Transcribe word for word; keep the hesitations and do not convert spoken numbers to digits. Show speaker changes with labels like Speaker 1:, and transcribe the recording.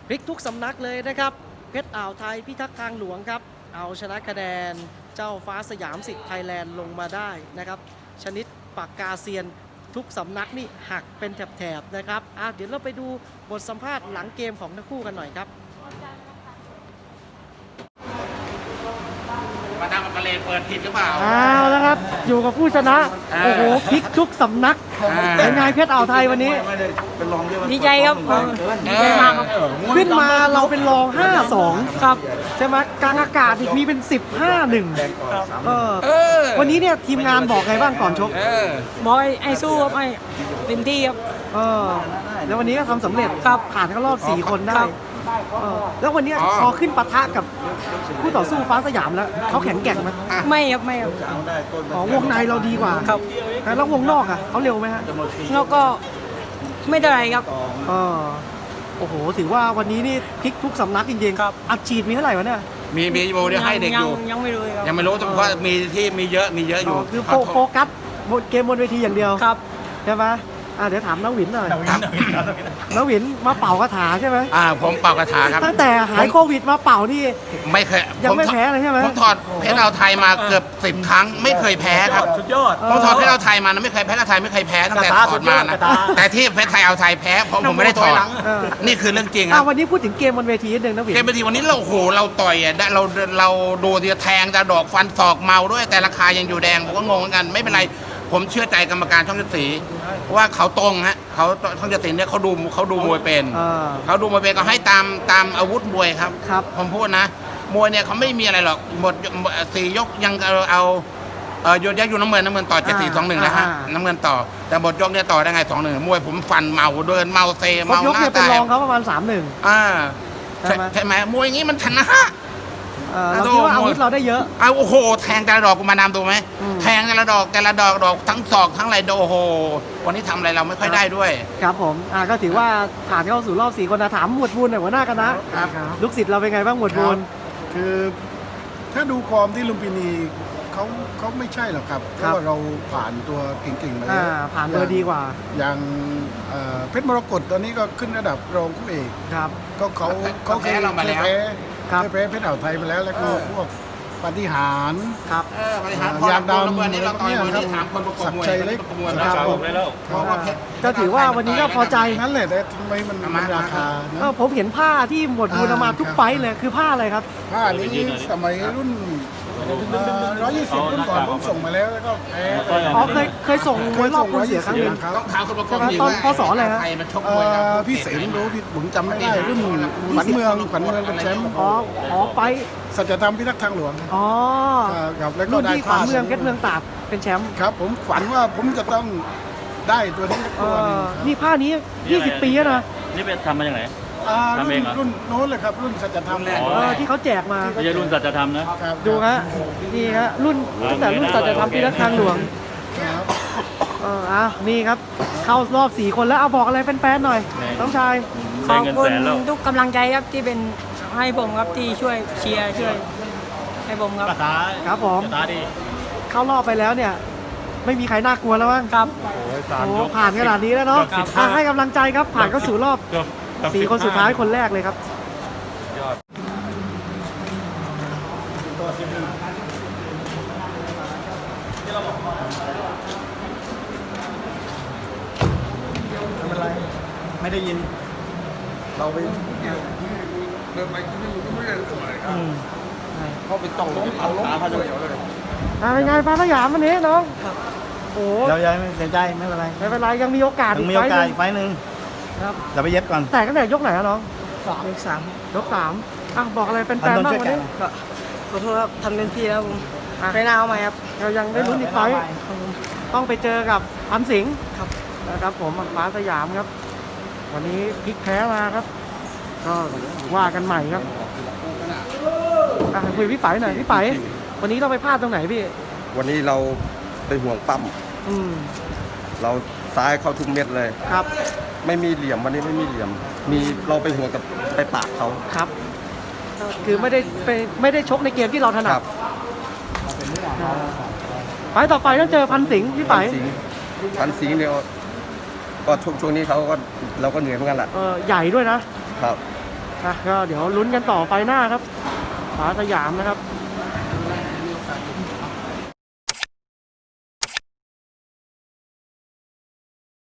Speaker 1: พลิกทุกสำนักเลยนะครับเพชรอ่าวไทยพิทักษ์ทางหลวงครับเอาชนะคะแนนเจ้าฟ้าสยามสิทธิ์ไทยแลนด์ลงมาได้นะครับชนิดปากกาเซียนทุกสำนักนี่หักเป็นแถบๆนะครับอ่ะเดี๋ยวเราไปดูบทสัมภาษณ์หลังเกมของทั้งคู่กันหน่อยครับ
Speaker 2: มาดามกะเลเปิดผิดหรือเปล่า
Speaker 1: เอาแล้วครับอยู่กับผู้ชนะโอ้โหพลิกทุกสำนักเป็นไงเพชรอ่าวไทยวันนี้
Speaker 3: ดีใจครับดีใจมากครับ
Speaker 1: ขึ้นมาเราเป็นรอง ห้าสอง ครับใช่ไหมกลางอากาศอีกมีเป็น สิบห้าหนึ่ง เออวันนี้เนี่ยทีมงานบอกไงบ้างก่อนชก
Speaker 3: บอกไอ้สู้ครับไอ้เต็มที่ครับ
Speaker 1: เออแล้ววันนี้ก็ทำสำเร็จครับผ่านเข้ารอบสี่คนได้แล้ววันนี้พอขึ้นปะทะกับคู่ต่อสู้ฟ้าสยามแล้วเขาแข็งแกร่งไหม
Speaker 3: ไม่ครับไม่ครับ
Speaker 1: อ๋อวงในเราดีกว่า
Speaker 3: ครับ
Speaker 1: แล้ววงนอกอ่ะเขาเร็วไหมฮะ
Speaker 3: แล้วก็ไม่เท่าไรครับ
Speaker 1: เออโอ้โหถือว่าวันนี้นี่พลิกทุกสำนักจริงๆครับอัดฉีดมีเท่าไหร่วะเนี่ย
Speaker 2: มีมีโบเดียวให้เด็กอยู่
Speaker 3: ยังไม่รู้ครับ
Speaker 2: ยังไม่รู้เพราะมีที่มีเยอะมีเยอะอยู่
Speaker 1: คือโฟกัสเกมบนเวทีอย่างเดียว
Speaker 3: ครับ
Speaker 1: ใช่ไหมอ่าเดี๋ยวถามน้าหวินหน่อยน้าหวินมาเป่ากระถาใช่ไหม
Speaker 2: อ่าผมเป่ากระถาครับ
Speaker 1: ตั้งแต่หายโควิดมาเป่านี่
Speaker 2: ไม่เคย
Speaker 1: ยังไม่แพ้เลยใช่ไหม
Speaker 2: ผมถอดเพชรเอาไทยมาเกือบสิบครั้งไม่เคยแพ้ครับ
Speaker 4: สุดยอด
Speaker 2: ผมถอดเพชรเอาไทยมานะไม่เคยแพ้เอาไทยไม่เคยแพ้ตั้งแต่ถอดมานะแต่ที่เพชรไทยเอาไทยแพ้เพราะผมไม่ได้ถอดนี่คือเรื่องจริงครับ
Speaker 1: วันนี้พูดถึงเกมบนเวทีนิดนึงนะหวิน
Speaker 2: เกมบนเวทีวันนี้เราโหเราต่อยอ่ะเราเราดูทีแทงแต่ดอกฟันศอกเมาด้วยแต่ราคายังอยู่แดงผมก็งงเหมือนกันไม่เป็นไรผมเชื่อใจกรรมการช่องเจ็ดสีว่าเขาตรงฮะเขาช่องเจ็ดสีเนี่ยเขาดูเขาดูมวยเป็นเขาดูมวยเป็นก็ให้ตามตามอาวุธมวยครับ
Speaker 1: ครับ
Speaker 2: ผมพูดนะมวยเนี่ยเขาไม่มีอะไรหรอกหมดสี่ยกยังเอาเอาเออโยนยักอยู่น้ำเงินน้ำเงินต่อเจ็ดสี่สองหนึ่งนะฮะน้ำเงินต่อแต่หมดยกเนี่ยต่อได้ไงสองหนึ่งมวยผมฟันเมาเดินเมาเซเมา
Speaker 1: หน้าตายเป็นรองเขาประมาณสามหนึ่ง
Speaker 2: อ่าใช่ไหมมวยอย่างนี้มันชนะ
Speaker 1: เราคิดว่าอาวุธเราได้เยอะ
Speaker 2: เอาโอ้โหแทงแต่ละดอกกูมานำดูไหมแทงแต่ละดอกแต่ละดอกดอกทั้งศอกทั้งอะไรโอ้โหวันนี้ทำอะไรเราไม่ค่อยได้ด้วย
Speaker 1: ครับผมอ่าก็ถือว่าผ่านเข้าสู่รอบสี่คนนะถามหมวดบูลหน่อยหัวหน้าคณะลูกศิษย์เราเป็นไงบ้างหมวดบูล
Speaker 4: คือถ้าดูฟอร์มที่ลุมพินีเขาเขาไม่ใช่หรอกครับเพราะว่าเราผ่านตัวเก่งๆมาแล้ว
Speaker 1: ผ่านเบอร์ดีกว่า
Speaker 4: อย่างเพชรมรกตตอนนี้ก็ขึ้นระดับรองคู่เอก
Speaker 1: ครับ
Speaker 4: ก็เขาเขาเคยแพ้เคยแพ้เพชรอ่าวไทยมาแล้วแล้วก็พวกปฏิหาร
Speaker 1: ครับ
Speaker 4: ยางดำอะไรพวกนี้ครับสักชัยเล็กครับ
Speaker 1: ก็ถือว่าวันนี้ก็พอใจ
Speaker 4: นั่นแหละแต่ทำไมมันมันราคา
Speaker 1: ผมเห็นผ้าที่หมวดบูลมาทุกไฟเลยคือผ้าอะไรครับ
Speaker 4: ผ้านี้สมัยรุ่นร้อยยี่สิบรุ่นก่อนผมส่งมาแล้วแล้วก็แพ้
Speaker 1: อ๋อเคยเคยส่งมวยรอบคุณเสียครั้งหนึ่ง
Speaker 2: ต้องถามคนประกอบ
Speaker 1: ตอนพศอะไรครับ
Speaker 4: พี่เสนรู้พี่ผมจำไม่ได้รุ่นขวัญเมืองขวัญเมืองเป็นแชมป์
Speaker 1: อ๋ออ๋อไป
Speaker 4: สัจธรรมพิทักษ์ทางหลวง
Speaker 1: อ๋อ
Speaker 4: ครับแล้วก็ได้
Speaker 1: ขวัญเมืองเพชรเมืองตากเป็นแชมป์
Speaker 4: ครับผมฝันว่าผมจะต้องได้ตัวนี้ตัวนึง
Speaker 1: นี่ผ้านี้ยี่สิบปีแล้วนะ
Speaker 5: นี่เป็นทำมาจากไหน
Speaker 4: ทำเองรุ่นโน้นเลยครับรุ่นสัจธรรม
Speaker 1: ที่เขาแจกมา
Speaker 5: ไม่ใช่รุ่นสัจธรรมนะ
Speaker 1: ดูฮะนี่ฮะรุ่นตั้งแต่รุ่นสัจธรรมพิทักษ์ทางหลวงเอออ่ะนี่ครับเข้ารอบสี่คนแล้วเอาบอกอะไรแฟนๆหน่อยน้องชาย
Speaker 3: ขอบคุณทุกกำลังใจครับที่เป็นให้ผมครับที่ช่วยเชียร์ช่วยให้ผมครับ
Speaker 1: ครับผมเข้ารอบไปแล้วเนี่ยไม่มีใครน่ากลัวแล้วมั้ง
Speaker 3: ครับ
Speaker 1: โอ้ผ่านขนาดนี้แล้วเนาะให้กำลังใจครับผ่านเข้าสู่รอบสี่คนสุดท้ายคนแรกเลยครับยอด
Speaker 4: ไม่เป็นไรไม่ได้ยินเราไปเดินไปที่นี่ก็ไม่ได้ทำอะไรครับเขาไปต้องล้มเอาล้มเขาจะเหี่ยวเลย
Speaker 1: เป็นไงฟ้าสยามวันนี้น้องโอ้
Speaker 4: เรายังไม่เสียใจไม่เป็นไร
Speaker 1: ไม่เป็นไรยังมีโอกาส
Speaker 4: ยังมีโอกาสอีกไฟหนึ่ง
Speaker 1: ครับ
Speaker 4: เราไปเย็บก่อน
Speaker 1: แต่ตั้งแต่ยกไหนน้อง
Speaker 3: สามยกสาม
Speaker 1: ยกสามอ่ะบอกอะไรเป็นแฟนบ้างวันนี้
Speaker 3: ก็ขอโทษครับทำเต็มที่แล้วผมไปหน้าเอาใหม่ครับ
Speaker 1: เรายังได้ลุ้นอีกไฟต้องไปเจอกับพันสิงห์
Speaker 3: ครับ
Speaker 1: นะครับผมฟ้าสยามครับวันนี้พลิกแพ้มาครับก็ว่ากันใหม่ครับอ่ะคุยพี่ไฝหน่อยพี่ไฝวันนี้เราไปพลาดตรงไหนพี่
Speaker 6: วันนี้เราเป็นห่วงปั้ม
Speaker 1: อืม
Speaker 6: เราซ้ายเข้าทุกเม็ดเลย
Speaker 1: ครับ
Speaker 6: ไม่มีเหลี่ยมวันนี้ไม่มีเหลี่ยมมีเราไปห่วงกับไปปากเขา
Speaker 1: ครับคือไม่ได้ไปไม่ได้ชกในเกมที่เราถนัดไปต่อไปต้องเจอพันสิงห์พี่ไฝ
Speaker 6: พันสิงห์เนี่ยก็ช่วงช่วงนี้เขาก็เราก็เหนื่อยเหมือนกันแหละ
Speaker 1: เออใหญ่ด้วยนะครับอ่ะก็เดี๋ยวลุ้นกันต่อไฟหน้าครับฟ้าสยามนะครับ